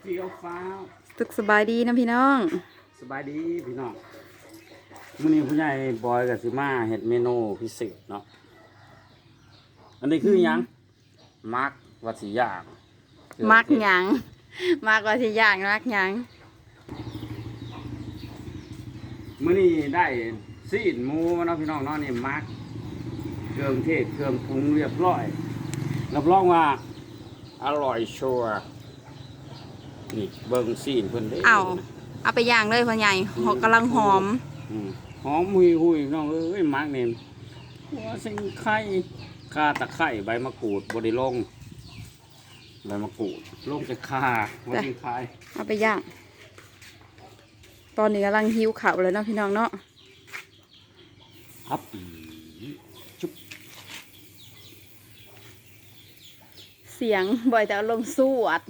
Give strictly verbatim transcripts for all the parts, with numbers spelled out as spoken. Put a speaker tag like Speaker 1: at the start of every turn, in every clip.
Speaker 1: เฟี้ยวฟ้าว
Speaker 2: สุขสบายดีนะพี่น้อง
Speaker 1: สบายดีพี่น้องมื้อนี้ผู้ใหญ่บอยกับสิมาเฮ็ดเมนูพิเศษเนาะอันนี้คือหยังมักวัดสิย่าง
Speaker 2: มักหยังมักว่าสิย่างมักหยัง
Speaker 1: มื้อนี้ได้ซีนหมูเนาะพี่น้องเนาะนี่มักเครื่องเทศเครื่องปรุงเรียบร้อยรับรองว่าอร่อยชัวร์นี่เบิ่งซีนเพิ่นเด้
Speaker 2: เอาเอาไปย่างเลยพ่อใหญ่หอกกำลังหอม
Speaker 1: อืมหอมหุยหุยน้องเอ้ยมักนี่หัวสิงไข่ข่าตะไคร้ใบมะกรูดบ่ได้ลงใบมะกรูดลงจะข่าหัวสิงไข่
Speaker 2: เอาไปย่างตอนนี้กำลังหิวข้าวเลยเนาะพี่น้องเนาะ
Speaker 1: ครับชุบ
Speaker 2: เสียงบ่อยแต่ลงสวด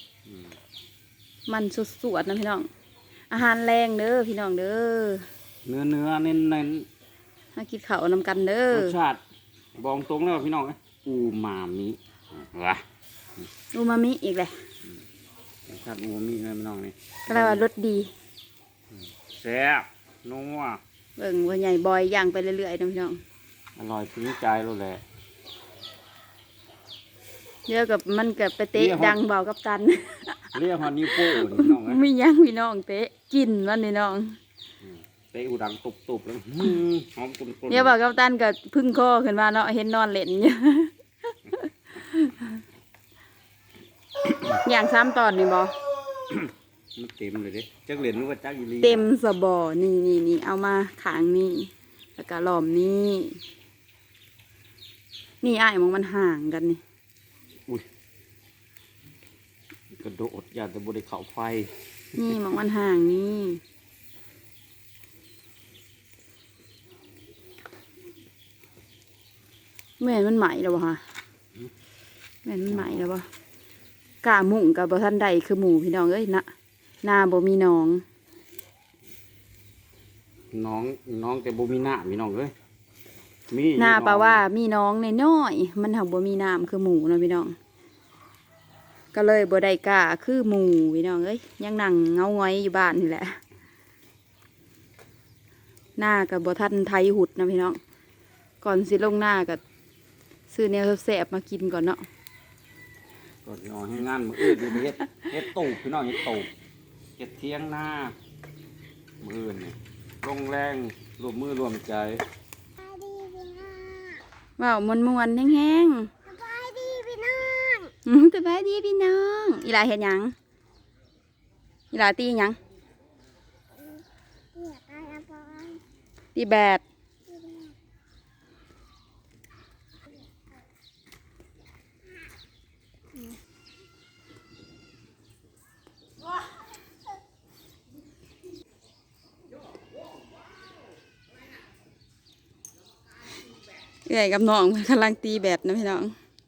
Speaker 2: มันสุดสวดนะพี่น้องอาหารแรงเด้อพี่น้องเด้อ
Speaker 1: เนื้อเนื้อเน้นเน้น
Speaker 2: มากินข้าวนำกันเด้อ
Speaker 1: รสชาติบอกตรงแล้วพี่น้องอูมามิวะ
Speaker 2: อูมามิอีกเลย
Speaker 1: รสชาติอูมามินะพี่น้องนี่
Speaker 2: ก็เลยว่ารสดี
Speaker 1: แซ่บนัว
Speaker 2: เบิ่งว่าใหญ่บอยย่างไปเรื่อยๆนะพี่น้อง
Speaker 1: อร่อยถึงใจแล้วแหละ
Speaker 2: เยอะกับมันกับไปเตะดังเบากับตัน
Speaker 1: เรียกฮอนิโป้พี่น้อง
Speaker 2: ไม่ยั้งพี่น้องเตะกินมันพี่น้อง
Speaker 1: เตะอูดังตุบๆแล้วหอมกุนๆ
Speaker 2: เนี่ยเบากับตันกับพึ่งคอขึ้นมาเนาะเห็นนอนเล่นเนี่ยอย่างซ้ำตอนนี่บอ
Speaker 1: มันเต็มเลยเด้จักเหรียญรู้ว่าจักอีลี
Speaker 2: เต็มสบอนี่นี่นี่เอามาขางนี่แล้วก็หลอมนี่นี่ไอ้มองมันห่างกันนี่
Speaker 1: อุ้ยกระโดดอย่าแต่บริเขาไฟ
Speaker 2: นี่มองมันห่างนี่แม่นมันไหมแล้ววะฮะแม่นมันไหมแล้ววะกาหมุ่งกับบ่ทันใดคือหมูพี่น้องเอ้ยนะนาบ่มีน้อง
Speaker 1: น้องน้องแต่บ่มีหน้ามีน้องเอ้ย
Speaker 2: มีนาแปลว่ามีน้องในน้อยมันหักบ่มีน้ำคือหมูนะพี่น้องก็เลยบ่ได้กาคือหมูพี่น้องเอ้ยยังนั่งเงาง้อยอยู่บ้านนี่แหละหน้ากับบ่ทันไทยหุดนะพี่น้องก่อนสิลงหน้ากับซื้อแนวแสบมากินก่อนเนาะ
Speaker 1: ก่อนนอนให้งานมืออื่นเฮ็ดเฮ็ดตูบพี่น้องเฮ็ดตูบเฮ็ดเที่ยงหน้ามืออื่นเนี่ยลงแรงรวมมือรวมใจ
Speaker 2: ว้าวมวนมวนแห้งๆสบายดีพี่น้องอืมสบายดีพี่น้องอีหลาเห็นยังอีหลาตียังตีแบดเอื่อยกับน้องกำลังตีแบดนะพี่น้อง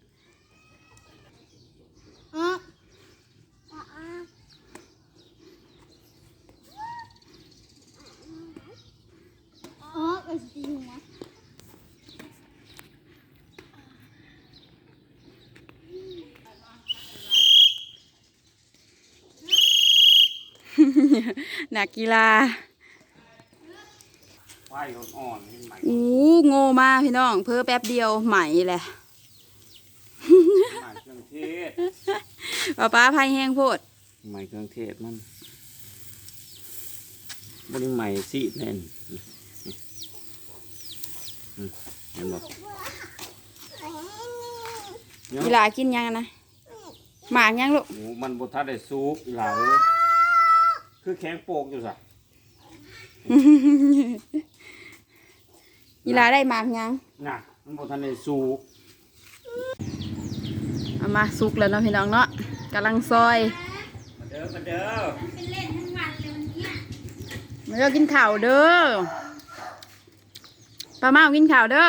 Speaker 2: นักกีฬา
Speaker 1: ไฟอ่อนๆใหม่
Speaker 2: อู้โง่มาพี่น้องเพิ่อแป๊บเดียวใหม่แหละ
Speaker 1: ใหม่เครื่องเทศ
Speaker 2: ป้าป้าพายแห้งโพด
Speaker 1: ใหม่เครื่องเทศมันบริใหม่สิแน่นเห็นบ่
Speaker 2: เวลากินยังนะหมากยังลูก
Speaker 1: มันบดทัดได้ซุปหลาคือแข็งโปกอยู่สัก
Speaker 2: เวลาได้หมากยัง
Speaker 1: น่ะมันบดทัดได้ซุป
Speaker 2: เอามาซุกแล้วเนาะพี่น้องเนาะกำลังซอย
Speaker 1: มาเด้อมาเด้อเป็นเล่นทั้งวันเลยวันนี้
Speaker 2: มาเด้อกินข้าวเด้อป้าเมากินข้าวเด้อ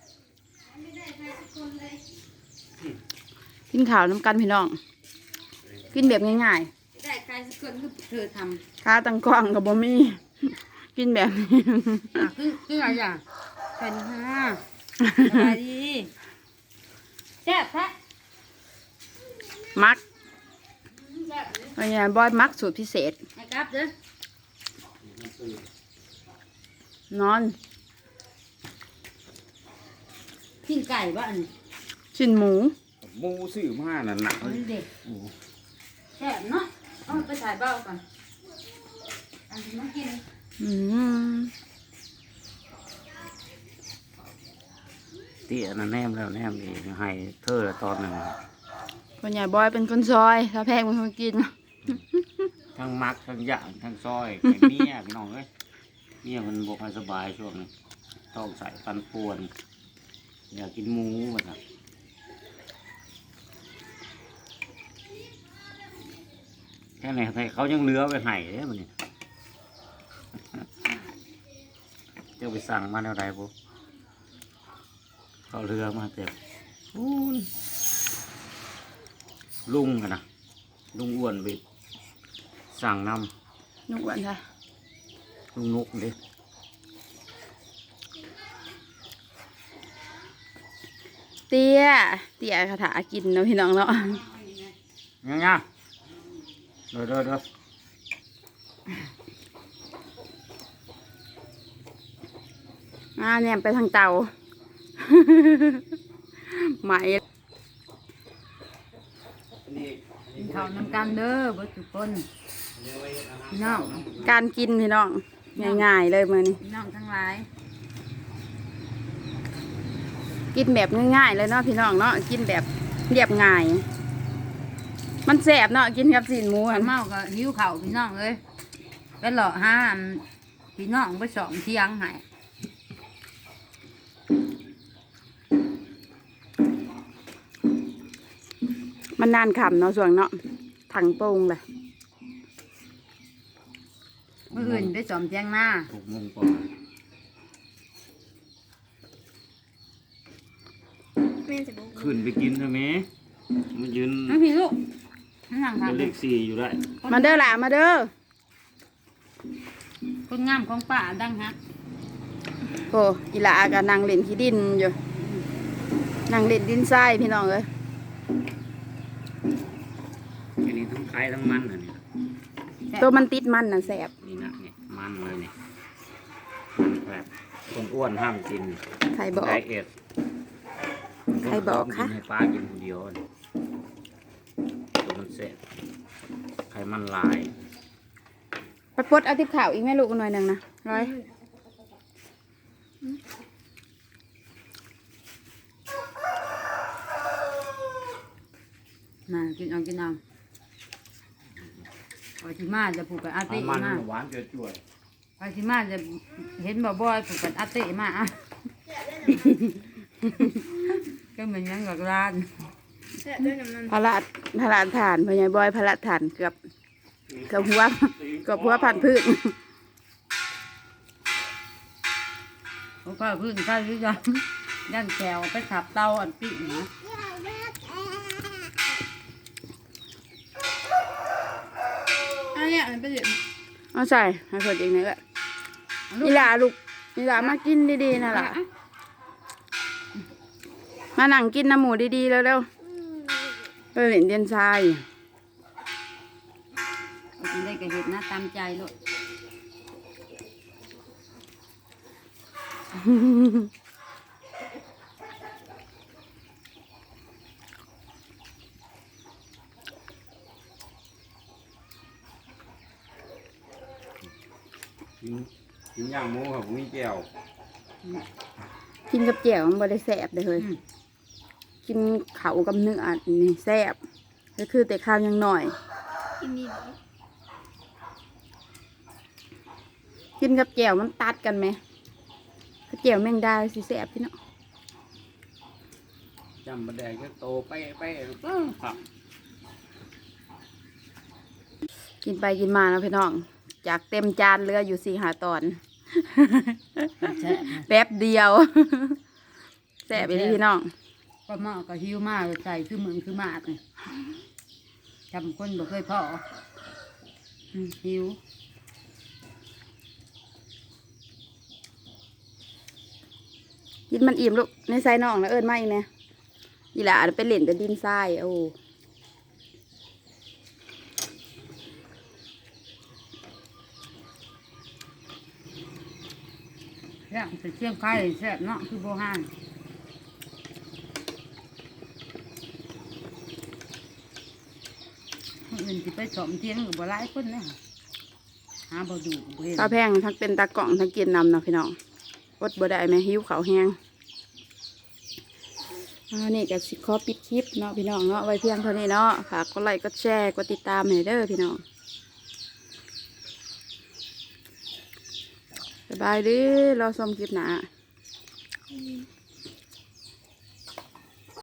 Speaker 2: กินข้าวน้ำกันพี่น้องกินแบบง่ายๆได้ใครสักคนก็เธอทำข้าตั้งกล้องกับบะหมี่กินแบบนี้
Speaker 3: คือคืออะไรอย่างเป็นค่ะสบายดีแซ่บแท้
Speaker 2: มักพ่อใหญ่บอยมักสูตรพิเศษ
Speaker 3: ให้กลับเด้อน
Speaker 2: อน
Speaker 3: กินไก่บ้าน
Speaker 2: ชิ้นหมู
Speaker 1: หมูซื้อมานั่นน่ะ
Speaker 3: เอาเด็กแซ่บเนาะเอาไปถ่ายเบ้าก่อนอันนี้มากิน
Speaker 2: อืม
Speaker 1: เตี้ยนั่นแนมแล้วแนมอีกให้เธอตอนหนึง
Speaker 2: พ่อใหญ่บอยเป็นคนซอยถ้าแพงเป็นคนกิน
Speaker 1: ทั้งมักทั้งย่างทั้งซอยไข่เมียพี่น้องเอ้ยเมียมันบ่ค่อยสบายช่วงนี้ต้องใส่ฟันป่วนอยากกินหมูว่าซั่นแค่ไหนเขายังเหลือไว้ให้เด้มันนี่เจ้าไปสั่งมาแนวใดบ่เขาเรือมาเต็มอู้นลุงอะนะลุงอ้วนไปสั่งน
Speaker 2: นุกวันค่ะ
Speaker 1: ำลุงนุกเด้
Speaker 2: เตี้ยเตี้ยคาถากินเนาะพี่น้องเนาะ
Speaker 1: ยังยังเด้อเด้อเด้อ
Speaker 2: อ่าเนี่ยไปทางเตา ไหม
Speaker 3: กินข้าวนำกันเด้อเบิดทุกคนพี่น้อง
Speaker 2: การกินพี่น้องง่ายๆเลยมื้อนี้
Speaker 3: พี่น้องทั้งหลาย
Speaker 2: กินแบบง่ายๆเลยเนาะพี่น้องเนาะกินแบบเรียบง่าย มันแสบเนาะกินกับสีนหมู
Speaker 3: ข้า
Speaker 2: อะ
Speaker 3: วเมาก็หิวข้าวพี่น้องเอ้ยไปหล่อห้ามพี่น้องไปสองเที่ยงให้
Speaker 2: มันนานขำเนาะส่วนเนาะถังโป่งเลย
Speaker 3: เมื่ออื่นไปสอมเที่ยงหน้า
Speaker 1: หกโมงกว่า ขึ้นไปกินใช่ไหมมันยืน
Speaker 3: น้องพี่ลูกนั่ง
Speaker 1: เป็นเล
Speaker 3: ทำ
Speaker 1: ขสี่อยู่ได้
Speaker 2: มาเด้อหล่ะมาเด้อ
Speaker 3: คนงามของป้าดังฮัก
Speaker 2: โอ้อีหลากับนางเล่นขี้ดินอยู่นางเล่นดินทรายพี่น้องเอ้ย
Speaker 1: อันนี้ทั้งไข่ทั้งมันอันนี้
Speaker 2: ตัวมันติดมันน่ะแสบ
Speaker 1: นี่นะนี่มันเลยนี่มันแบบคนอ้วนห้ามกิน
Speaker 2: ใครบอก
Speaker 1: ไดเอท
Speaker 2: ใครบอกคะ
Speaker 1: นให้ป้ากินคนเดียวนี่ตัวมันเสร็จไข่มันลาย
Speaker 2: ไปปลดเอาทิพข่าวอีกแม่ลูกหน่อยหนึ่งนะร้อย
Speaker 3: มากินเอากินเอาพอที่มาจะผูกกับอา
Speaker 1: เอา
Speaker 3: เต้
Speaker 1: มัน
Speaker 3: มา
Speaker 1: หวานเจ่วย
Speaker 3: พอที่มาจะเห็นบ่บ่อยผูกกับอาเต้มาอ่ะก็เหมือนยังกับร้าน
Speaker 2: พระราชพระราชฐานพญายบอยพระราชฐานเกือบเกือบหัวเกือบหัวพันพืช
Speaker 3: เพราะว่าพื้นข้าวที่ยังยันแถวไปขับเตาอันปีนะ
Speaker 4: อันเนี้ยมันเป็น
Speaker 2: เอาใส่ให้คนเองนี่แหละอีหลาลูกอีหลามากินดีๆนะล่ะมานั่งกินน้ำหมูดีๆเร็วๆไปเล่นเดียนทราย
Speaker 3: กินได้ก็เห็ดนะตามใจลูก
Speaker 1: กินกินย่างหมูครับมีแก้ว
Speaker 2: กินกับแจ่วมันบ่ได้แสบเลยเฮ้ยกินเขากับเนื้อนี่แสบก็คือแต่ข้าวยังหน่อย
Speaker 4: กินดี
Speaker 2: กินกับแจ่วมันตัดกันไหมกับแจ่วแมงดาสิแสบพี่เนาะ
Speaker 1: จำบะแดงก็โตไปไปครับ
Speaker 2: กินไปกินมาแล้วพี่น้องจากเต็มจานเหลืออยู่สี่หาตอน
Speaker 3: แซ่บ
Speaker 2: แป๊บเดียว แสบไปเลยพี่น้อง
Speaker 3: ก็มาก็หิวมากใส่คือมึงคือมากเลยจำคนบ่เคยพออืมหิว
Speaker 2: กินมันอิ่มลูกในไซน้องนะเอิญไม่ไหมอีหล่าไปเล่นแต่ดินทรายโอ้
Speaker 3: ซ่บแต่เชียงไข่แซ่บเนาะคือโบราณคนอื่นสิไปสอมเทียงกับบ่หลายคนนะหาบ่ดูบ่เห็น
Speaker 2: ข้าวแพงทั้งเป็นตากล่องทั้งกินนำเนาะพี่น้องอดบ่ได้ไหมหิวข้าวแห้งอันนี้ก็สิขอปิดคลิปเนาะพี่น้องเนาะไว้เพียงเท่านี้เนาะฝากกดไลค์กดแชร์กดติดตามให้เด้อพี่น้องสบายดีรอชมคลิปหน้า
Speaker 4: อืม